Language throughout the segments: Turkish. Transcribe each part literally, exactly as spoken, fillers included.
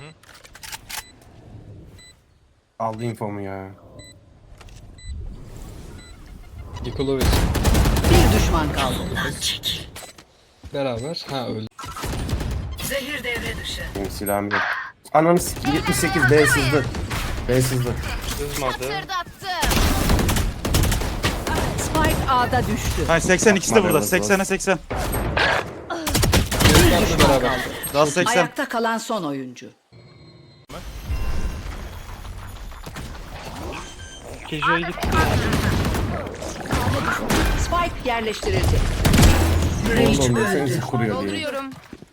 Aldı infomu ya. Nikolovic Bir düşman kaldı. beraber. Ha öldü. Zehir devre dışı. Benim silahım yok. Ananı s*** yetmiş sekiz B sızdı. B sızdı. Sızmadı. Spike A'da düştü. Hayır seksen ikisi de burada. Haberiniz olsun. seksene seksen. Bir Benle düşman beraber. kaldı. Daha seksen. Ayakta kalan son oyuncu. Kejo'ya gitti. Spike yerleştirildi. Oğlum desenize kuruyor diye. Dolduruyorum.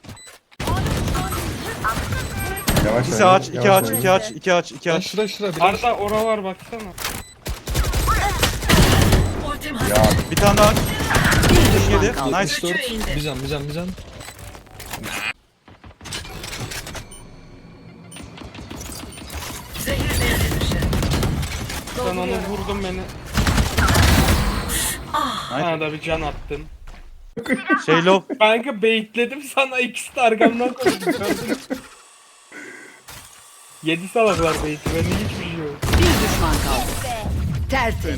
Yavaş İkisi oyna, aç, iki yavaş aç, oyna. iki aç, iki aç, iki Ben aç. şura şura bir Arda oralar baksana. Ultim hazır. Ya Bir tane daha aç. Bir düşman Yedi. kaldı. Nice. dört. Bir can bir can bir can. Zehir devre dışı. Sen onu vurdun beni. Bana da bir can attın. Şey low. Kanka baitledim sana ikisi de arkamdan koydum. Yedi salaklar bait'i. Benim hiçbir şey yok. Bir düşman kaldı. Tertemiz.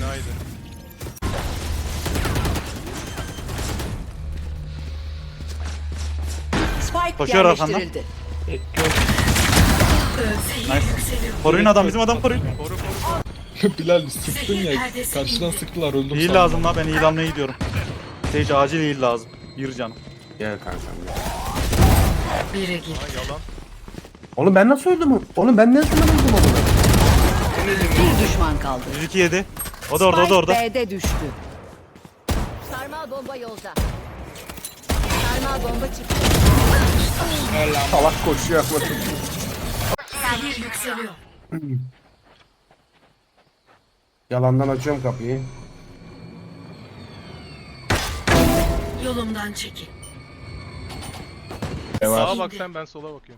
Spike Koşuyor arkandan. yerleştirildi. Bekliyorum. Nice. Koruyun adam, bizim adam koruyun. Bilal sıktın ya. Karşıdan sıktılar öldüm. İyi sandım. lazım la, ben ilanla gidiyorum. Sage acil iyi lazım. Bir canım. gel kankam. gel. Biri gitti. Oğlum ben nasıl öldüm? Oğlum ben ne zaman öldüm onu? Bir düşman kaldı. yüz iki yedi. O da orada, o da orada. Spike B'de düştü. Sarmal bomba yolda. Sarmal bomba çıktı. Salak koşuyor. Zehir yükseliyor. Yalandan açıyorum kapıyı. Yolumdan çekil. Yavaş. Sağa bak sen, ben sola bakıyorum.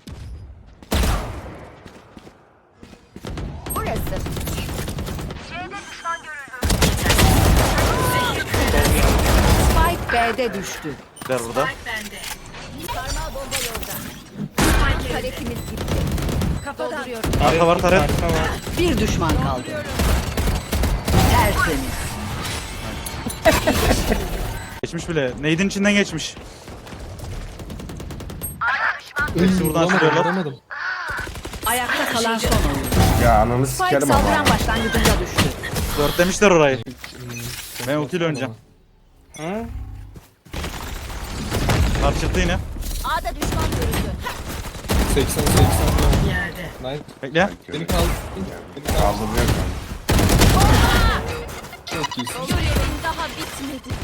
Burası. Spike B'de düştü. Der burada. Spike bende. Sarmal bomba yolda. Spike yerinde. Karetimiz gitti. Kafadan. Dolduruyorum. Arka var, taret. Arka var. Bir düşman kaldı. Tertemiz. Geçmiş bile. Nade'in içinden geçmiş. Hepsi buradan çıkıyorlar. Vuramadım. Ayakta kalan son oyuncu. Ya ananı Spike sikerim ama. saldıran başlangıcında düştü. Dört demişler orayı. Ben ultiyle oynayacağım. Ha? Kart çıktı yine. A'da düşman görüldü. seksen seksen. Yerde. Nice. Bekle. Beni kaldı. Beni kaldı. Kaldırıyor. Çok iyisin. Görevim daha bitmedi.